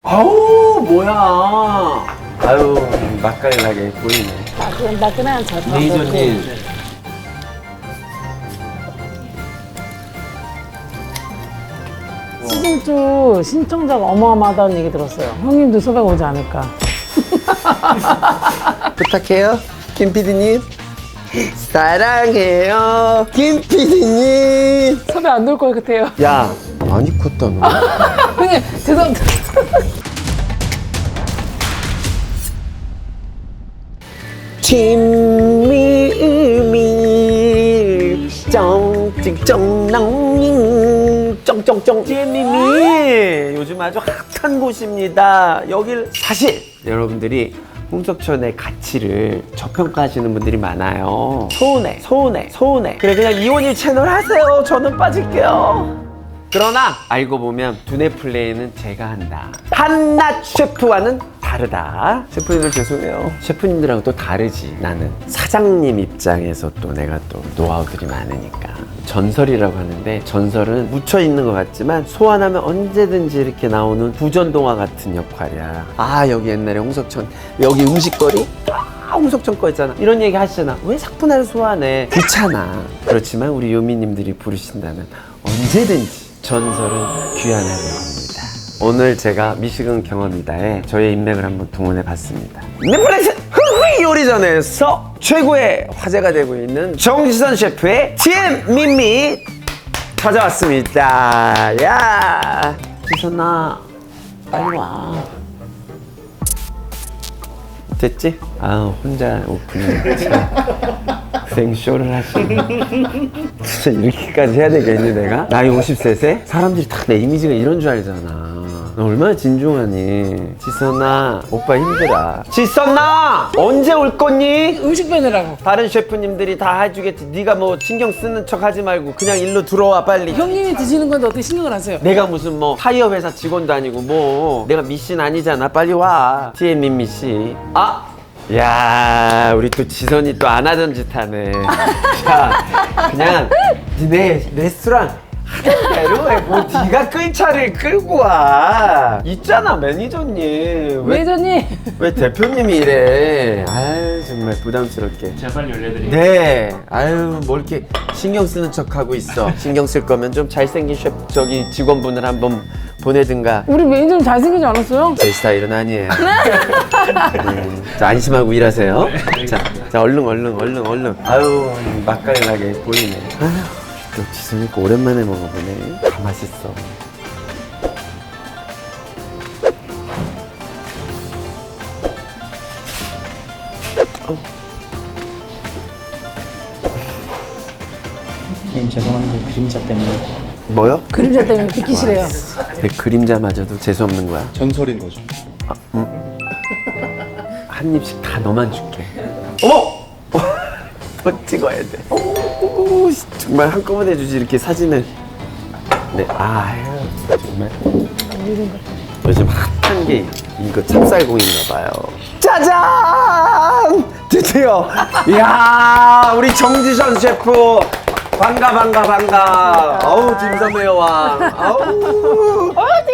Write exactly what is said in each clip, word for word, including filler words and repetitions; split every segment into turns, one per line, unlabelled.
아우 뭐야. 아유 맛깔나게 보이네.
따끈따끈한 젓밥.
레이저님.
시즌 이 신청자가 어마어마하다는 얘기 들었어요. 형님도 섭외 오지 않을까.
부탁해요 김 피디님. 사랑해요 김 피디님.
섭외 안 될 것 같아요.
야 많이 컸다 너.
형님 죄송합니다.
김미미 쩡찍쩡낭 쩡쩡쩡 김미미 요즘 아주 핫한 곳입니다. 여길 사실 여러분들이 홍석천의 가치를 저평가하시는 분들이 많아요. 서운해 서운해 서운해. 그래 그냥 이혼일 채널 하세요. 저는 빠질게요. 그러나 알고 보면 두뇌 플레이는 제가 한다. 한낱 셰프와는 다르다. 셰프님들 죄송해요. 셰프님들하고 또 다르지. 나는 사장님 입장에서 또 내가 또 노하우들이 많으니까. 전설이라고 하는데 전설은 묻혀 있는 것 같지만 소환하면 언제든지 이렇게 나오는 부전동화 같은 역할이야. 아 여기 옛날에 홍석천 여기 음식거리? 아 홍석천 거 있잖아. 이런 얘기 하시잖아. 왜 삭분화를 소환해? 귀찮아. 그렇지만 우리 요미님들이 부르신다면 언제든지 전설은 귀환하려 합니다. 오늘 제가 미식은 경험이다에 저의 인맥을 한번 동원해 봤습니다. 넷플릭스 흐흐 요리전에서 최고의 화제가 되고 있는 정지선 셰프의 티엠 민미 찾아왔습니다. 야 지선아 빨리 와. 됐지? 아 혼자 오프닝 생쇼를 하시네. 진짜 이렇게까지 해야 되겠니 내가? 나이 오십 세세? 사람들이 다 내 이미지가 이런 줄 알잖아. 너 얼마나 진중하니. 지선아 오빠 힘들어. 지선아 언제 올 거니?
음식 빼느라고.
다른 셰프님들이 다 해주겠지. 네가 뭐 신경 쓰는 척 하지 말고 그냥 일로 들어와 빨리.
형님이 드시는 건데 어떻게 신경을 안 써요?
내가 무슨 뭐 타이어 회사 직원도 아니고 뭐 내가 미신 아니잖아. 빨리 와. 티엠민 미씨. 아! 야 우리 또 지선이 또 안 하던 짓 하네. 자 그냥 니네 레스토랑 하던 대로 해. 뭐 네가 끌 차를 끌고 와. 있잖아 매니저님. 왜,
매니저님.
왜 대표님이 이래. 아유 정말 부담스럽게.
제가 빨리 올려드릴게요.
네. 아유 뭘 이렇게 신경 쓰는 척 하고 있어. 신경 쓸 거면 좀 잘생긴 셰프 저기 직원분을 한번 보내든가.
우리 매니저님 잘생기지 않았어요?
제 스타일은 아니에요. 음, 자 안심하고 일하세요. 자, 자 얼른 얼른 얼른 얼른. 아유 맛깔나게 보이네. 아유 또 지선이 거 오랜만에 먹어보네. 다 맛있어.
선생님 죄송한데 그림자 때문에
뭐요?
그림자 때문에 듣기 싫어요.
내 그림자마저도 재수없는 거야.
전설인 거죠.
한 입씩 다 너만 줄게. 어머! 더 찍어야 돼. 오, 정말 한꺼번에 주지 이렇게 사진을. 네, 아유 정말. 요즘 핫한 게 이거 찹쌀공인가 봐요. 짜잔! 드디어! 이야 우리 정지선 셰프 반가 반가 반가. 어우 딤섬의 여왕. 아우.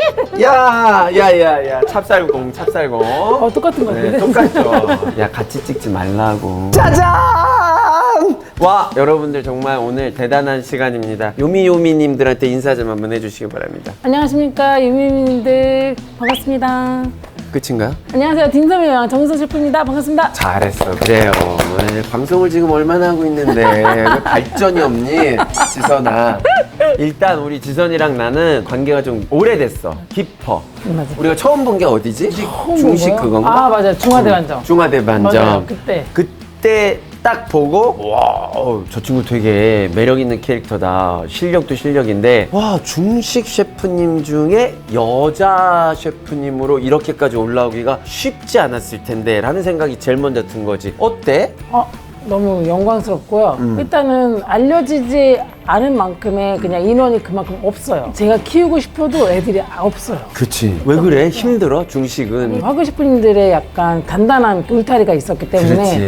야야야야 찹쌀공 찹쌀공.
어 똑같은 거
네,
같은데?
똑같죠. 야 같이 찍지 말라고. 짜잔! 와 여러분들 정말 오늘 대단한 시간입니다. 요미요미님들한테 인사 좀 한번 해주시기 바랍니다.
안녕하십니까 유미님들 반갑습니다.
끝인가요?
안녕하세요 딘섬의 여왕 정지선 셰프입니다. 반갑습니다.
잘했어. 그래요. 네, 방송을 지금 얼마나 하고 있는데 왜 발전이 없니? 지선아. 일단 우리 지선이랑 나는 관계가 좀 오래됐어. 깊어.
맞아.
우리가 처음 본 게 어디지? 중식
뭐야?
그건가?
아 맞아 중화대반점.
중화대반점.
맞아요, 그때.
그때 딱 보고 와, 어, 저 친구 되게 매력 있는 캐릭터다. 실력도 실력인데 와, 중식 셰프님 중에 여자 셰프님으로 이렇게까지 올라오기가 쉽지 않았을 텐데 라는 생각이 제일 먼저 든 거지. 어때?
어, 너무 영광스럽고요.
음.
일단은 알려지지 않은 만큼의 그냥 인원이 그만큼 없어요. 제가 키우고 싶어도 애들이 없어요.
그치. 왜 그래? 힘들어? 중식은.
화교 셰프님들의 약간 단단한 울타리가 있었기 때문에
그렇지.
한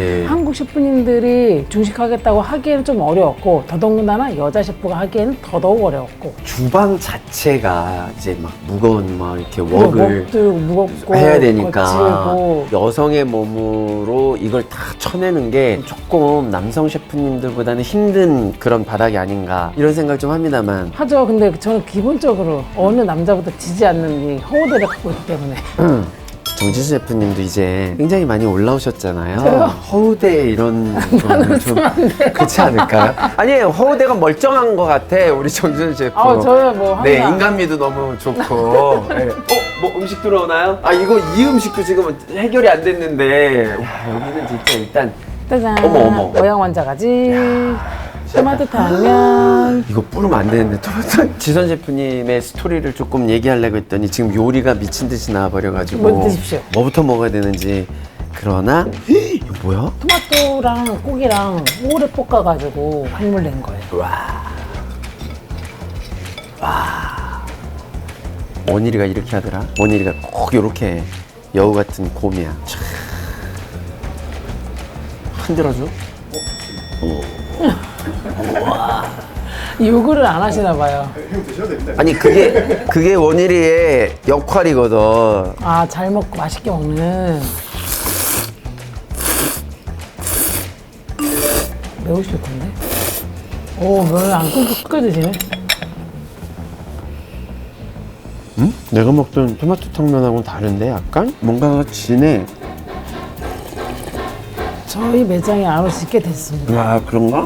한국 셰프님들이 중식하겠다고 하기에는 좀 어려웠고 더더군다나 여자 셰프가 하기에는 더더욱 어려웠고
주방 자체가 이제 막 무거운 막 이렇게 웍을
먹도 무겁고
해야 되니까
거칠고.
여성의 몸으로 이걸 다 쳐내는 게 조금 남성 셰프님들보다는 힘든 그런 바닥이 아닌가 이런 생각 좀 합니다만
하죠. 근데 저는 기본적으로 어느 남자보다 지지 않는 이 허우대를 갖고 있기 때문에
정지수 셰프님도 이제 굉장히 많이 올라오셨잖아요.
저요?
허우대 이런 거는 좀 그렇지 않을까요? 아니에요. 허우대가 멀쩡한 것 같아 우리 정지수 셰프.
아 저요 뭐 항상
네, 인간미도 너무 좋고. 네. 어, 뭐 음식 들어오나요? 아, 이거 이 음식도 지금 해결이 안 됐는데. 야, 여기는 진짜 일단
짜잔
어머, 어머.
모양 완자가지 토마토 당면
이거 뿌리면 안 되는데. 토마토. 지선 셰프님의 스토리를 조금 얘기하려고 했더니 지금 요리가 미친 듯이 나와버려가지고.
뭐 드십시오.
뭐부터 먹어야 되는지. 그러나 이거 뭐야?
토마토랑 고기랑 오래 볶아가지고 한물 낸 거예요.
원일이가 이렇게 하더라. 원일이가 꼭 이렇게 여우 같은 곰이야. 촤. 흔들어줘.
요구를 안 하시나 봐요.
아니 그게 그게 원일이의 역할이거든.
아 잘 먹고 맛있게 먹는. 매우실 텐데. 오 면을 안 끊고 끝까지 드시네.
응? 내가 먹던 토마토 탕면하고는 다른데 약간 뭔가가 진해.
저희 매장에 안 오시게 됐습니다.
아 그런가?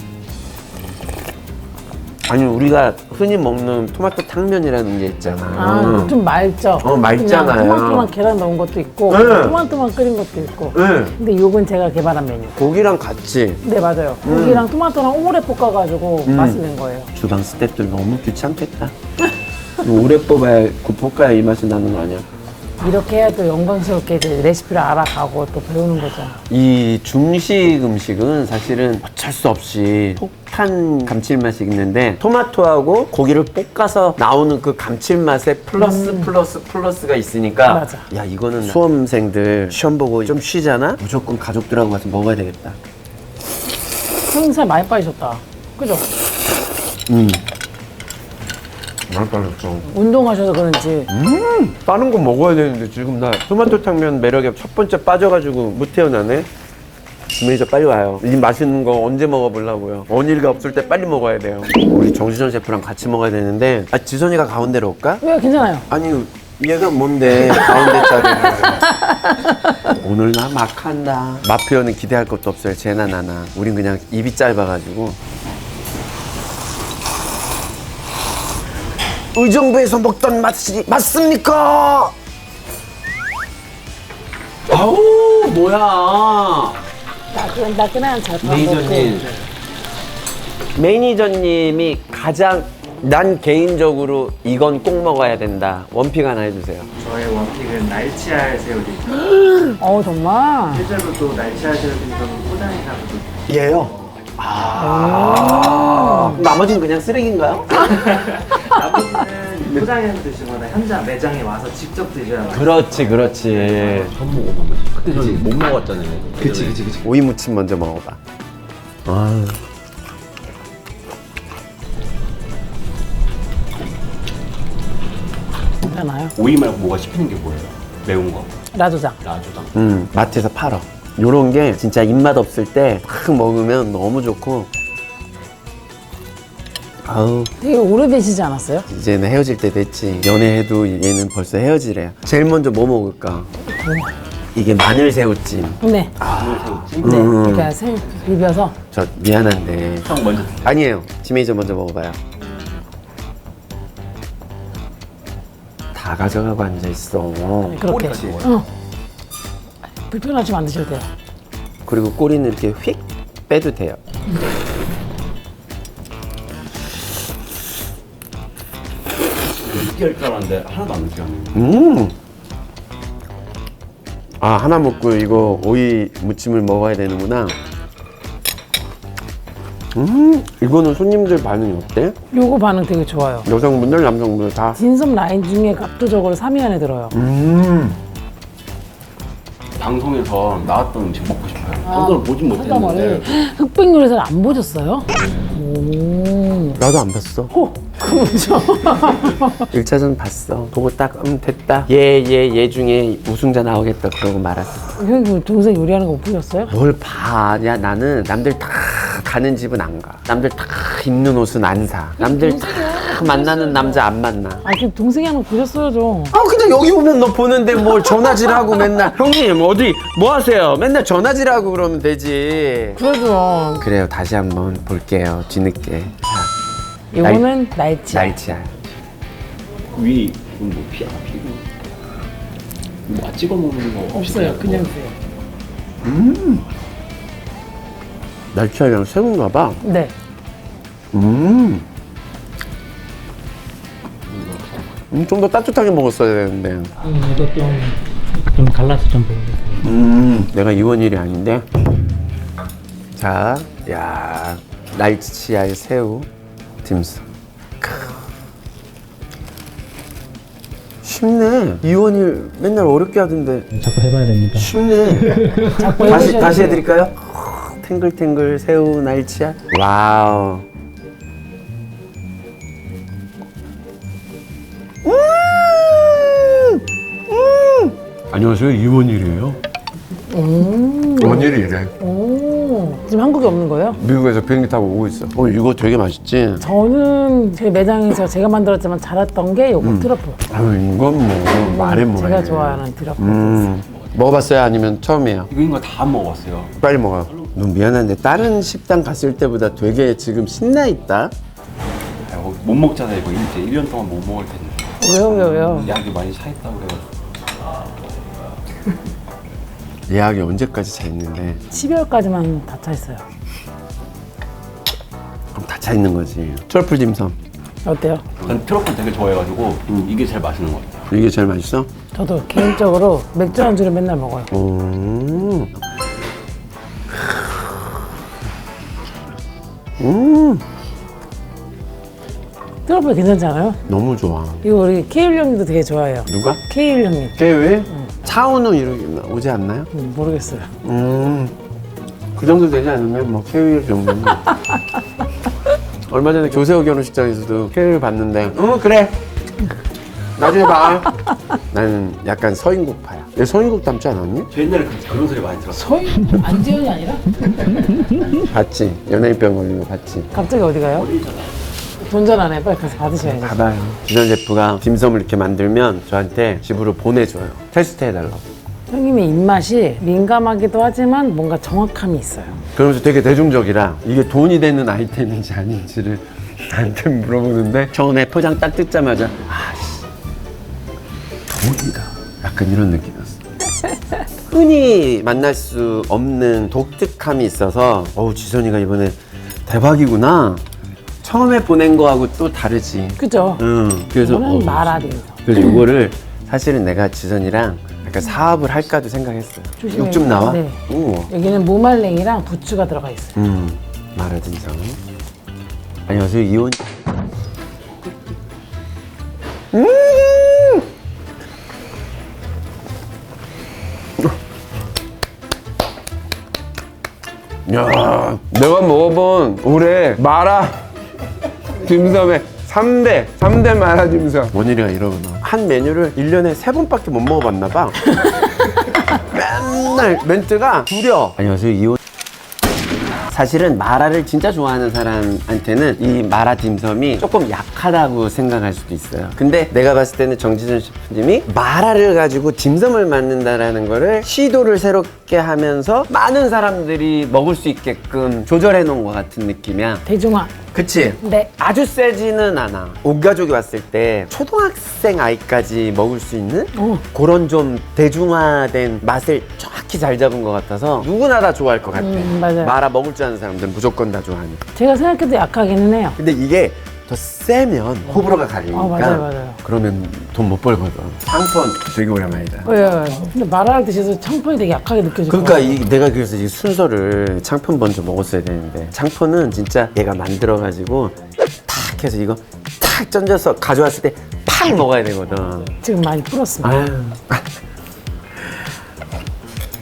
아니 우리가 흔히 먹는 토마토 탕면이라는 게 있잖아.
아, 좀 맑죠?
어, 맑잖아요.
그냥 토마토만 계란 넣은 것도 있고,
네.
토마토만 끓인 것도 있고.
네.
근데 요건 제가 개발한 메뉴.
고기랑 같이
네, 맞아요.
음.
고기랑 토마토랑 오래 볶아가지고 맛을 낸 거예요.
주방 스태프들 너무 귀찮겠다. 오래 뽑아야 그 볶아야 이 맛이 나는 거 아니야?
이렇게 해야 또 영광스럽게 이제 레시피를 알아가고 또 배우는 거죠.
이 중식 음식은 사실은 어쩔 수 없이 폭탄 감칠맛이 있는데 토마토하고 고기를 볶아서 나오는 그 감칠맛에 플러스 플러스 플러스가 있으니까
맞아.
야 이거는 수험생들 시험 보고 좀 쉬잖아? 무조건 가족들하고 가서 먹어야 되겠다.
형님 살 많이 빠지셨다. 그죠?
음. 많이 빠졌어.
운동하셔서 그런지.
음, 다른 거 먹어야 되는데 지금 나 토마토 탕면 매력에 첫 번째 빠져가지고 못 태어나네. 매니저 빨리 와요. 이 맛있는 거 언제 먹어보려고요. 원일이가 없을 때 빨리 먹어야 돼요. 우리 정지선 셰프랑 같이 먹어야 되는데 아 지선이가 가운데로 올까?
왜 괜찮아요?
아니 얘가 뭔데 가운데 자리를. 오늘 나 막 한다. 맛 표현은 기대할 것도 없어요. 쟤나 나나. 우린 그냥 입이 짧아가지고. 의정부에서 먹던 맛이 맞습니까? 아우 뭐야.
따끈따끈한 잘파
매니저님. 매니저님이 가장 난 개인적으로 이건 꼭 먹어야 된다. 원픽 하나 해주세요.
저의 원픽은 날치알 새우리.
어 정말.
실제로 또 날치알 새우리는 포장해가지고
얘요. 아. 나머지는 그냥 쓰레기인가요?
나머지는 포장해서 드시거나 현장 매장에 와서 직접 드셔야 맛있어요.
그렇지, 그렇지.
처음 먹어본 거지. 그때 그치, 못 먹었잖아요.
그치 그치 그치.
오이 무침 먼저 먹어봐. 아.
괜찮아요?
오이 말고 뭐가 씹히는 게 뭐예요? 매운 거.
라조장.
라조장.
음, 마트에서 팔어. 요런 게 진짜 입맛 없을 때 막 먹으면 너무 좋고. 아우,
되게 오래되시지 않았어요?
이제는 헤어질 때 됐지. 연애해도 얘는 벌써 헤어지래. 제일 먼저 뭐 먹을까? 이게 마늘 새우찜.
네.
새우찜.
네.
음.
이렇게 생 비벼서.
저 미안한데.
형 먼저.
아니에요. 지메이저 먼저 먹어봐요. 다 가져가고 앉아있어.
그렇게.
꼬리까지 먹어요.
응. 불편하지만 안 드셔도 돼요.
그리고 꼬리는 이렇게 휙 빼도 돼요.
느끼할 줄 알았는데 하나도 안 느끼하네.
음. 아, 하나 먹고 이거 오이 무침을 먹어야 되는구나. 음, 이거는 손님들 반응이 어때?
요거 반응 되게 좋아요.
여성분들, 남성분들 다.
진섭 라인 중에 압도적으로 삼 위 안에 들어요.
음.
방송에서 나왔던 음식 먹고 싶어요. 저도 보진 못했는데.
흑백 요리사를 안 보셨어요? 오.
나도 안 봤어.
오, 그거죠.
일 차전 봤어. 보고 딱, 음, 됐다. 얘, 얘, 얘 중에 우승자 나오겠다. 그러고 말았어.
형님 동생 요리하는 거 못 보셨어요?
뭘 봐. 야, 나는 남들 다 가는 집은 안 가. 남들 다 입는 옷은 안 사. 남들 다 만나는 남자 안 만나.
아, 그럼 동생이 하는 거 보셨어야죠.
아, 그냥 여기 오면 너 보는데 뭘 전화질하고 맨날. 형님, 어디, 뭐 하세요? 맨날 전화질하고 그러면 되지.
그래도
그래요. 다시 한번 볼게요. 뒤늦게.
이거는 날치.
날치알.
위, 뭐 피, 아, 피고. 뭐 찍어 먹는 거
없어요. 그냥 드세요.
날치알이랑 새우인가 봐.
네.
음. 음, 좀 더 따뜻하게 먹었어야 되는데.
음, 이거 좀, 좀 갈라서 좀 보여주세요.
음, 내가 이원일이 아닌데. 자, 야, 날치알 새우 딤섬. 크. 쉽네. 이원일 맨날 어렵게 하던데
자꾸 해봐야 됩니다.
쉽네.
자꾸
다시
해보셔야
다시
돼요.
해드릴까요? 탱글탱글 새우 날치알. 와우. 음! 음! 안녕하세요, 이원일이에요.
음.
원일이래.
오. 지금 한국에 없는 거예요?
미국에서 비행기 타고 오고 있어. 어, 이거 되게 맛있지?
저는 제 매장에서 제가 만들었지만 잘했던 게 요거
음.
트러플.
아유, 이건 뭐 말해 뭐해.
제가 좋아하는 트러플.
음, 먹어봤어요? 아니면 처음이에요?
이거 거 다 먹었어요.
빨리 먹어. 너 미안한데 다른 식당 갔을 때보다 되게 지금 신나 있다.
아, 이거 못 먹잖아요. 이거 이제 일 년 동안 못 먹을 텐데.
왜요, 왜요, 왜요?
약이 많이 차있다고 그래가지고.
예약이 언제까지 차 있는데?
십이월까지만 다 차 있어요.
그럼 다 차 있는 거지. 트러플 딤섬.
어때요?
전 트러플 되게 좋아해가지고 이게 제일 맛있는 것 같아요.
이게 제일 맛있어?
저도 개인적으로 맥주 안주를 맨날 먹어요.
음. 음,
트러플 괜찮지 않아요?
너무 좋아.
이거 우리 케일 형님도 되게 좋아해요.
누가?
케일 형님.
깨왜? 차은우 이렇게 오지 않나요?
음, 모르겠어요.
음, 그 정도 되지 않으면 뭐 케일 정도는. 얼마 전에 교세호 결혼식장에서도 케일 봤는데, 응 그래. 나중에 봐. 나는 약간 서인국파야. 얘 서인국 닮지 않았니?
저 옛날에 그, 그런 소리 많이 들었어요.
서희? 안재현이 아니라?
봤지. 연예인병 걸린 거 봤지.
갑자기 어디 가요? 돈전 안 해. 빨리 가서 받으셔야죠.
봐봐요. 지선 셰프가 딤섬을 이렇게 만들면 저한테 집으로 보내줘요. 테스트 해달라고.
형님의 입맛이 민감하기도 하지만 뭔가 정확함이 있어요.
그러면서 되게 대중적이라 이게 돈이 되는 아이템인지 아닌지를 나한테 물어보는데 처음에 포장 딱 뜯자마자 아씨 돈이다. 약간 이런 느낌이었어. 흔히 만날 수 없는 독특함이 있어서 어우 지선이가 이번에 대박이구나. 처음에 보낸 거하고 또 다르지.
그죠?
응. 그래서
저는
어우,
마라딘서.
그래서 이거를 사실은 내가 지선이랑 약간 사업을 할까도 생각했어요.
조심해요.
육 좀 나와?
네.
우와.
여기는 무말랭이랑 부추가 들어가 있어요.
음, 마라딘성. 안녕하세요, 이원. 음! 야, 내가 먹어본 올해 마라 딤섬의 삼 대, 삼 대 마라 딤섬. 원일이가 이러구나. 한 메뉴를 일 년에 세 번밖에 못 먹어봤나 봐. 맨날 멘트가 구려. 안녕하세요, 이원. 사실은 마라를 진짜 좋아하는 사람한테는 이 마라 딤섬이 조금 약하다고 생각할 수도 있어요. 근데 내가 봤을 때는 정지선 셰프님이 마라를 가지고 딤섬을 만든다라는 거를 시도를 새롭게 하면서 많은 사람들이 먹을 수 있게끔 조절해 놓은 것 같은 느낌이야.
대중화.
그치?
네.
아주 세지는 않아. 온 가족이 왔을 때 초등학생 아이까지 먹을 수 있는
어.
그런 좀 대중화된 맛을 정확히 잘 잡은 것 같아서 누구나 다 좋아할 것 같아.
음, 맞아요.
마라 먹을 줄 아는 사람들은 무조건 다 좋아하니까.
제가 생각해도 약하기는 해요.
근데 이게 더 세면 호불호가 갈리니까
어, 맞아요, 맞아요.
그러면 돈 못 벌거든. 상권 되게 오랜만이다.
왜, 왜? 근데 마라를 드셔서 창폰이 되게 약하게 느껴져요.
그러니까 이, 내가 그래서 이 순서를 창폰 먼저 먹었어야 되는데 창폰은 진짜 얘가 만들어가지고 탁 해서 이거 탁 던져서 가져왔을 때 팍 먹어야 되거든.
지금 많이 풀었습니다.
아유.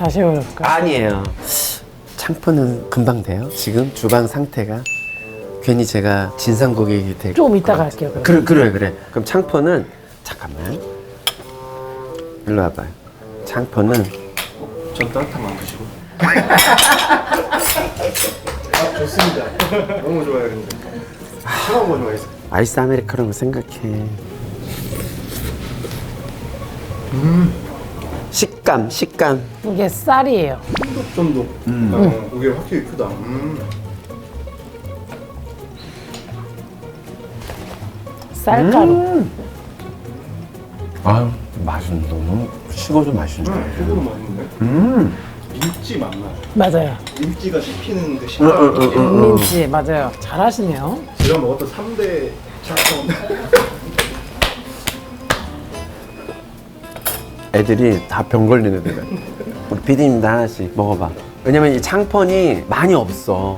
다시 해볼까요?
아니에요. 창포는 금방 돼요. 지금 주방 상태가 괜히 제가 진상 고객이 될
좀 이따가
것
할게요,
같아요.
그럼.
그래 그래 그래. 그럼 창포는 잠깐만. 일로 와봐요. 창포는
전 따뜻한 안 드시고.
아, 좋습니다. 너무 좋아요, 근데. 차가운 거 좋아해서.
아이스 아메리카노로 생각해. 식감 식감.
이게 쌀이에요.
쫀득쫀득. 음. 이게 확실히 크다. 음.
쌀가루.
아 맛은 너무 식어도 맛있네.
속으로 맛있는데?
음.
민지 맞나요?
맞아요.
민지가 씹히는 그
응,
식감.
응, 응, 응.
민지 맞아요. 잘하시네요.
제가 먹었던 삼 대 차가운.
애들이 다 병 걸리는 애들. 우리 피디님도 하나씩 먹어봐. 왜냐면 이 창펀이 많이 없어.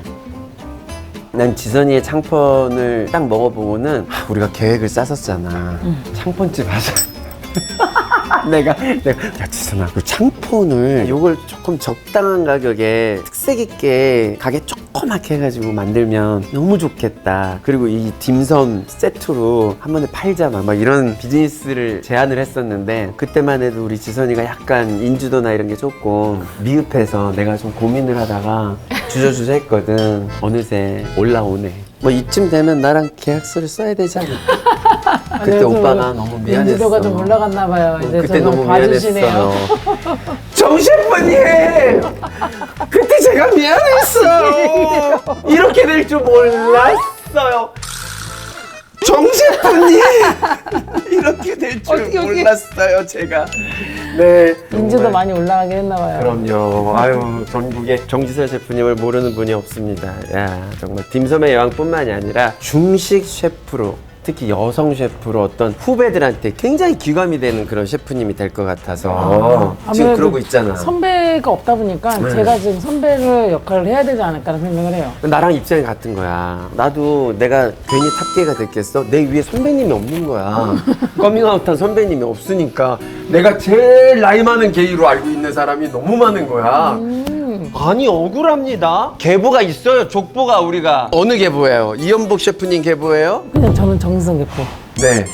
난 지선이의 창펀을 딱 먹어보고는 아, 우리가 계획을 짰었잖아. 창펀집 하자. 내가 내가 야 지선아 그 창폰을 요걸 조금 적당한 가격에 특색 있게 가게 조그맣게 해가지고 만들면 너무 좋겠다. 그리고 이 딤섬 세트로 한 번에 팔자 막, 막 이런 비즈니스를 제안을 했었는데 그때만 해도 우리 지선이가 약간 인지도나 이런 게 조금 미흡해서 내가 좀 고민을 하다가 주저주저 했거든. 어느새 올라오네. 뭐 이쯤 되면 나랑 계약서를 써야 되지 않을까? 그때
그래도
오빠가 너무 미안했어.
인지도가 좀 올라갔나 봐요. 이제
그때
저를
너무
봐주시네요.
미안했어요. 정 셰프님! 그때 제가 미안했어요. 이렇게 될 줄 몰랐어요. 정 셰프님! 이렇게 될 줄
어떻게, 어떻게.
몰랐어요, 제가. 네.
인지도
정말.
많이 올라가긴 했나 봐요.
그럼요. 아유, 전국에 정지설 셰프님을 모르는 분이 없습니다. 야, 정말 딤섬의 여왕뿐만이 아니라 중식 셰프로 특히 여성 셰프로 어떤 후배들한테 굉장히 귀감이 되는 그런 셰프님이 될 것 같아서 지금
아무래도
그러고 있잖아.
선배가 없다 보니까
네.
제가 지금 선배를 역할을 해야 되지 않을까라는 생각을 해요.
나랑 입장이 같은 거야. 나도 내가 괜히 탑계가 됐겠어? 내 위에 선배님이 없는 거야. 커밍아웃한 선배님이 없으니까 내가 제일 나이 많은 게이로 알고 있는 사람이 너무 많은 거야. 아니 억울합니다. 계보가 있어요. 족보가 우리가 어느 계보예요? 이연복 셰프님 계보예요?
그냥 저는 정성 개포.
네.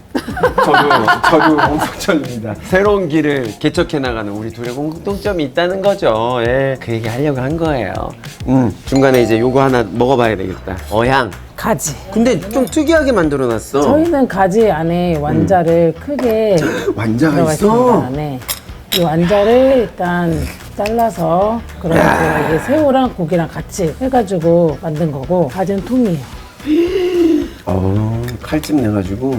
저도 저도 홍석천입니다. 새로운 길을 개척해 나가는 우리 둘의 공통점이 있다는 거죠. 예, 그 얘기 하려고 한 거예요. 음, 중간에 이제 요거 하나 먹어봐야 되겠다. 어향.
가지.
근데 좀 특이하게 만들어놨어.
저희는 가지 안에 완자를 크게
완자가
들어가
있어.
있습니다. 네. 이 완자를 일단 잘라서 그러면 이게 새우랑 고기랑 같이 해가지고 만든 거고 가지는 통이에요.
어, 칼집 내가지고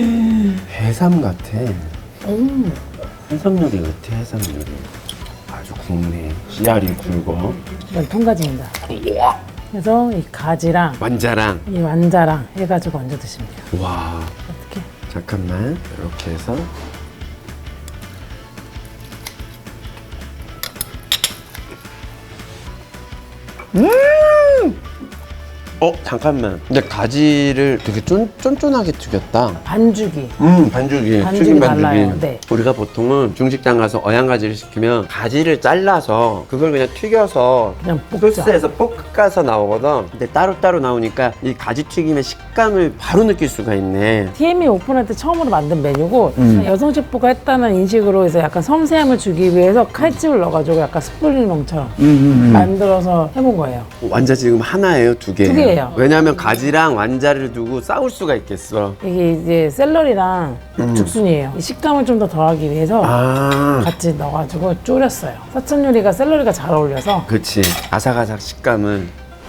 해삼 같아.
음.
해삼 요리 같아. 해삼 요리. 아주 굵네. 씨알이 굵어.
이건 통가지입니다. 그래서 이 가지랑
완자랑.
이 완자랑 해가지고 얹어 드시면 돼요.
와.
어떻게?
잠깐만. 이렇게 해서. 음! 어, 잠깐만. 근데 가지를 되게 쫀, 쫀쫀하게 튀겼다.
반죽이.
음, 반죽이.
반죽이
튀김
달라요. 네.
우리가 보통은 중식당 가서 어양가지를 시키면 가지를 잘라서 그걸 그냥 튀겨서
그냥 볶자.
소스에서 볶아서 나오거든. 근데 따로따로 나오니까 이 가지 튀김의 식감을 바로 느낄 수가 있네.
티엠이 오픈할 때 처음으로 만든 메뉴고
음.
여성 셰프가 했다는 인식으로 해서 약간 섬세함을 주기 위해서 칼집을 넣어가지고 약간 스프링롱처럼
음,
만들어서 해본 거예요.
완자 지금 하나예요, 두 개예요?
두 개예요.
왜냐하면 가지랑 완자를 두고 싸울 수가 있겠어.
이게 이제 샐러리랑 죽순이에요. 이 식감을 좀 더 더하기 위해서
음. 아,
같이 넣어가지고 졸였어요. 사천 요리가 샐러리가 잘 어울려서
그치. 아삭아삭 식감은.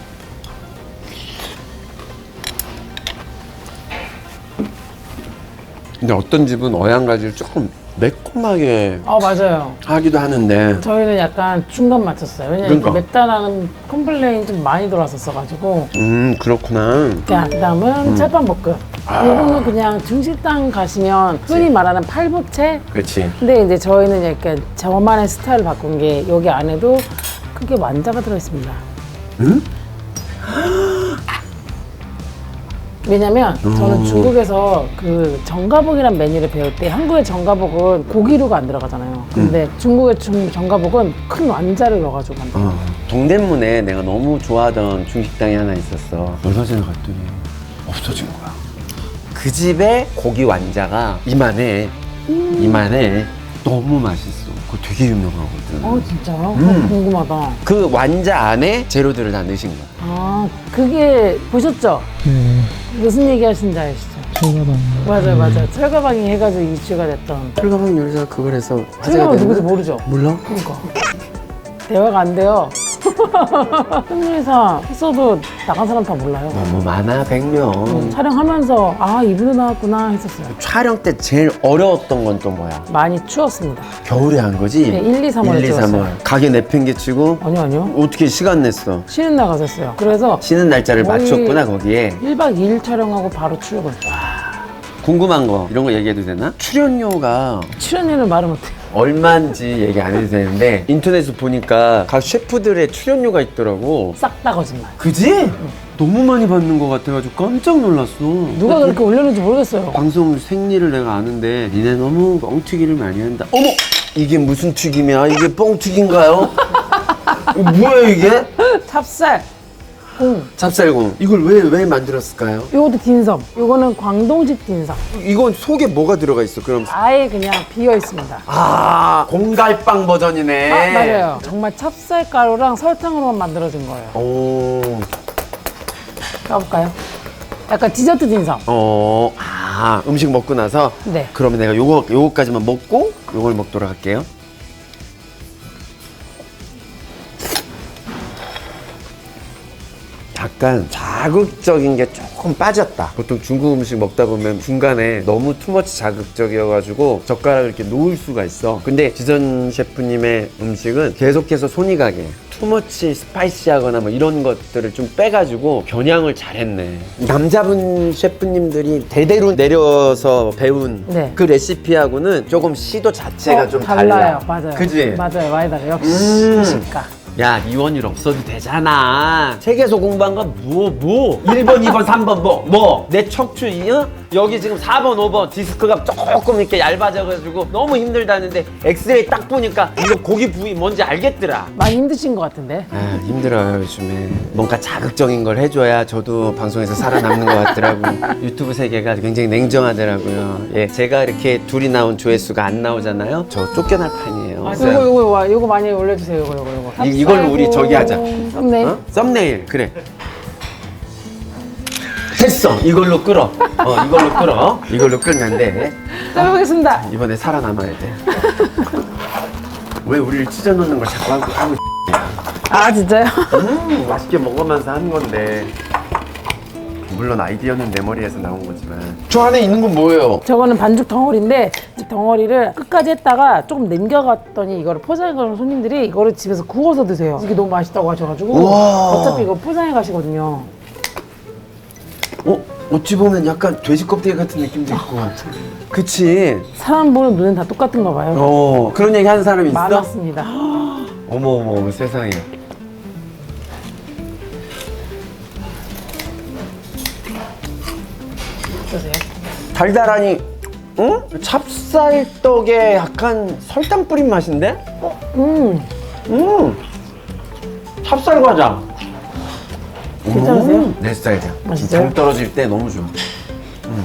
근데 어떤 집은 어양가지를 조금 매콤하게
어 맞아요.
하기도 하는데
저희는 약간 중간 맞췄어요. 왜냐면
그러니까.
맵다라는 컴플레인 좀 많이 들어왔었어가지고.
음 그렇구나.
자, 그다음은 찰밥볶음. 이거는 그냥 중식당 가시면 흔히 말하는 팔부채.
그렇지.
근데 이제 저희는 약간 저만의 스타일을 바꾼 게 여기 안에도 크게 완자가 들어있습니다.
응?
왜냐면 저는 중국에서 그 정가복이란 메뉴를 배울 때 한국의 정가복은 고기류가 안 들어가잖아요. 근데 중국의 중, 정가복은 큰 완자를 넣어가지고 만들어요.
어, 동대문에 내가 너무 좋아하던 중식당이 하나 있었어. 얼마 전에 갔더니 없어진 거야. 그 집에 고기 완자가 이만해.
음.
이만해. 너무 맛있어. 그거 되게 유명하거든.
어 진짜요?
음.
궁금하다.
그 완자 안에 재료들을 다 넣으신 거야.
아 그게 보셨죠?
네,
무슨 얘기 하신지 아시죠?
철가방.
맞아요 맞아요. 철가방이 해가지고 이슈가 됐던.
철가방 요리사 그걸 해서 화제가
철가방
됐나?
누구지 모르죠?
몰라?
그러니까 대화가 안 돼요. 승리사 했어도 나간 사람 다 몰라요.
너무 많아, 백 명.
촬영하면서 아 이분도 나왔구나 했었어요.
촬영 때 제일 어려웠던 건 또 뭐야?
많이 추웠습니다.
겨울에 한 거지?
네, 일, 이, 삼월에
일, 이, 삼월.
찍었어요.
가게 내팽개치고
아니요 아니요.
어떻게 시간 냈어?
쉬는 날 갔었어요. 그래서
쉬는 날짜를
거의
맞췄구나, 거기에.
일 박 이 일 촬영하고 바로 출근.
궁금한 거, 이런 거 얘기해도 되나? 출연료가
출연료는 말을 못해요.
얼마인지 얘기 안 해도 되는데 인터넷에 보니까 각 셰프들의 출연료가 있더라고.
싹 다 거짓말.
그지? 너무 많이 받는 것 같아가지고 깜짝 놀랐어.
누가 그렇게 올렸는지 모르겠어요.
방송 생리를 내가 아는데 니네 너무 뻥튀기를 많이 한다. 어머! 이게 무슨 튀김이야? 이게 뻥튀기인가요? 이거 뭐야 이게?
찹쌀, 콩.
찹쌀공. 이걸 왜, 왜 만들었을까요?
요것도 딘섬. 요거는 광동식 딘섬.
이건 속에 뭐가 들어가 있어? 그럼
아예 그냥 비어 있습니다.
아, 공갈빵 버전이네.
아 맞아요. 정말 찹쌀가루랑 설탕으로만 만들어진 거예요.
오.
까볼까요? 약간 디저트 딘섬.
어, 아, 음식 먹고 나서?
네.
그러면 내가 요거, 요거까지만 먹고 요걸 먹도록 할게요. 약간 자극적인 게 조금 빠졌다. 보통 중국 음식 먹다 보면 중간에 너무 투머치 자극적이어가지고 젓가락을 이렇게 놓을 수가 있어. 근데 지선 셰프님의 음식은 계속해서 손이 가게 투머치 스파이시하거나 뭐 이런 것들을 좀 빼가지고 겨냥을 잘했네. 남자분 셰프님들이 대대로 내려서 배운
네.
그 레시피하고는 조금 시도 자체가
어,
좀
달라요.
달라.
맞아요.
그지?
맞아요. 많이 달라요. 역시
음.
시집가.
야, 이원일 없어도 되잖아. 책에서 공부한 거 뭐, 뭐? 일 번, 이 번, 삼 번, 뭐? 뭐? 내 척추, 어? 여기 지금 사 번, 오 번 디스크가 조금 이렇게 얇아져가지고 너무 힘들다는데 엑스레이 딱 보니까 이거 고기 부위 뭔지 알겠더라.
많이 힘드신 것 같은데.
아, 힘들어요, 요즘에. 뭔가 자극적인 걸 해줘야 저도 방송에서 살아남는 것 같더라고요. 유튜브 세계가 굉장히 냉정하더라고요. 예, 제가 이렇게 둘이 나온 조회수가 안 나오잖아요? 저 쫓겨날 판이에요.
아, 요거 요거 와 요거 많이 올려주세요. 요거 요거 요거.
이, 이걸로 우리 저기 하자.
썸네일.
어? 썸네일, 그래. 됐어! 이걸로 끌어. 어, 이걸로 끌어. 이걸로 끌면 돼.
자, 해보겠습니다.
이번에 살아남아야 돼. 왜 우리를 찢어놓는 걸 자꾸 하고, 하고
아 진짜요?
음, 맛있게 먹으면서 하는 건데. 물론 아이디어는 내 머리에서 나온 거지만. 저 안에 있는 건 뭐예요?
저거는 반죽 덩어리인데 이 덩어리를 끝까지 했다가 조금 남겨갔더니 이거를 포장해 가는 손님들이 이거를 집에서 구워서 드세요. 이게 너무 맛있다고 하셔가지고
우와.
어차피 이거 포장해 가시거든요.
어? 어찌 보면 약간 돼지 껍데기 같은 느낌도 있고. 그치?
사람 보는 눈은 다 똑같은가 봐요.
어, 그런 얘기 하는 사람이 있어?
많았습니다.
어머, 어머, 어머, 세상에.
어떠세요?
달달하니, 응? 찹쌀떡에 약간 설탕 뿌린 맛인데?
음
음! 찹쌀 과자.
괜찮으세요?
음, 내 스타일이야.
맛있어요?
장 떨어질 때 너무 좋아. 음.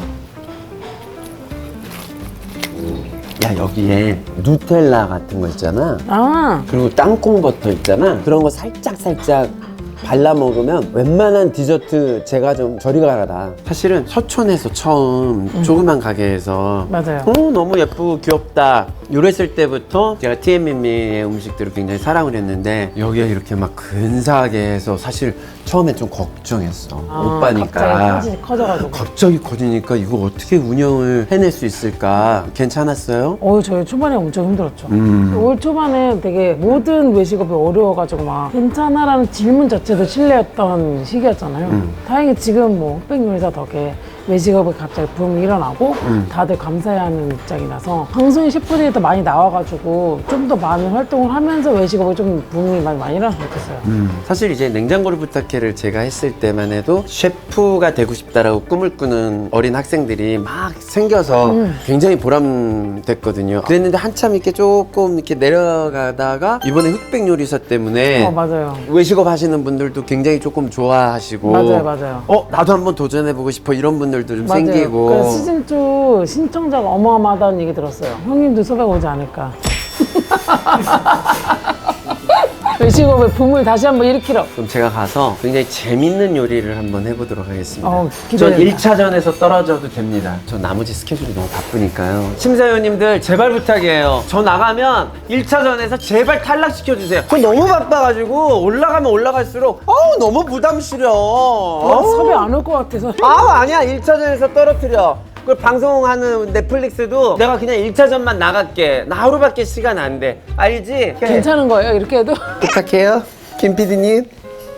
야, 여기에 누텔라 같은 거 있잖아.
아
그리고 땅콩 버터 있잖아. 그런 거 살짝 살짝 발라 먹으면 웬만한 디저트 제가 좀 저리 가라. 사실은 서촌에서 처음 조그만 가게에서
맞아요.
어, 너무 예쁘고 귀엽다 이랬을 때부터 제가 티엠엠이의 음식들을 굉장히 사랑을 했는데 여기에 이렇게 막 근사하게 해서 사실 처음에 좀 걱정했어.
아,
오빠니까
갑자기 커지- 커져가지고.
갑자기 커지니까 이거 어떻게 운영을 해낼 수 있을까. 괜찮았어요?
어 저희 초반에 엄청 힘들었죠.
음.
올 초반에 되게 모든 외식업이 어려워가지고 막 괜찮아라는 질문 자체도 실례였던 시기였잖아요.
음.
다행히 지금 뭐 흑백 요리사 덕에 외식업에 갑자기 붐이 일어나고 다들 감사해하는 입장이라서 방송인 셰프들이 더 많이 나와가지고 좀 더 많은 활동을 하면서 외식업에 좀 붐이 많이, 많이 일어났으면 좋겠어요.
사실 이제 냉장고를 부탁해를 제가 했을 때만 해도 셰프가 되고 싶다라고 꿈을 꾸는 어린 학생들이 막 생겨서 굉장히 보람됐거든요. 그랬는데 한참 이렇게 조금 이렇게 내려가다가 이번에 흑백 요리사 때문에
어, 맞아요.
외식업 하시는 분들도 굉장히 조금 좋아하시고
맞아요, 맞아요.
어 나도 한번 도전해보고 싶어 이런 분들도 좀
맞아요.
생기고
그래서 시즌이 신청자가 어마어마하다는 얘기 들었어요. 형님도 섭외 오지 않을까. 외식업의 붐을 다시 한번 일으키러.
그럼 제가 가서 굉장히 재밌는 요리를 한번 해보도록 하겠습니다.
어,
전
기대된다.
일 차전에서 떨어져도 됩니다. 저 나머지 스케줄이 너무 바쁘니까요. 심사위원님들 제발 부탁이에요. 저 나가면 일 차전에서 제발 탈락시켜주세요. 저 너무 바빠가지고 올라가면 올라갈수록 어우 너무 부담스러워.
어, 섭외 안 올 것 같아서.
아우 아니야 일 차전에서 떨어뜨려. 그 방송하는 넷플릭스도 내가 그냥 일 차전만 나갈게. 나 하루밖에 시간 안 돼. 알지?
괜찮은 거예요, 이렇게 해도?
부탁해요. 김 피디님.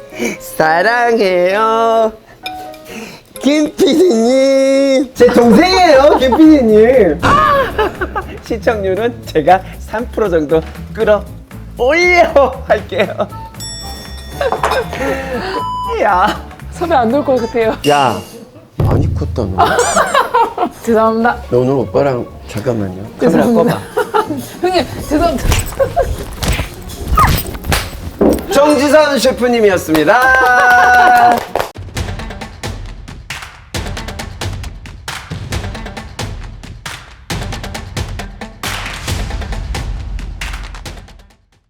사랑해요. 김 피디님. 제 동생이에요, 김 피디님. 시청률은 제가 삼 퍼센트 정도 끌어 올려 할게요. 야.
섭외 안 올 것 같아요.
야. 많이 컸다, 너.
죄송합니다.
너 오늘 오빠랑 잠깐만요. 카메라 꺼봐.
형님, 죄송합니다.
정지선 셰프님이었습니다.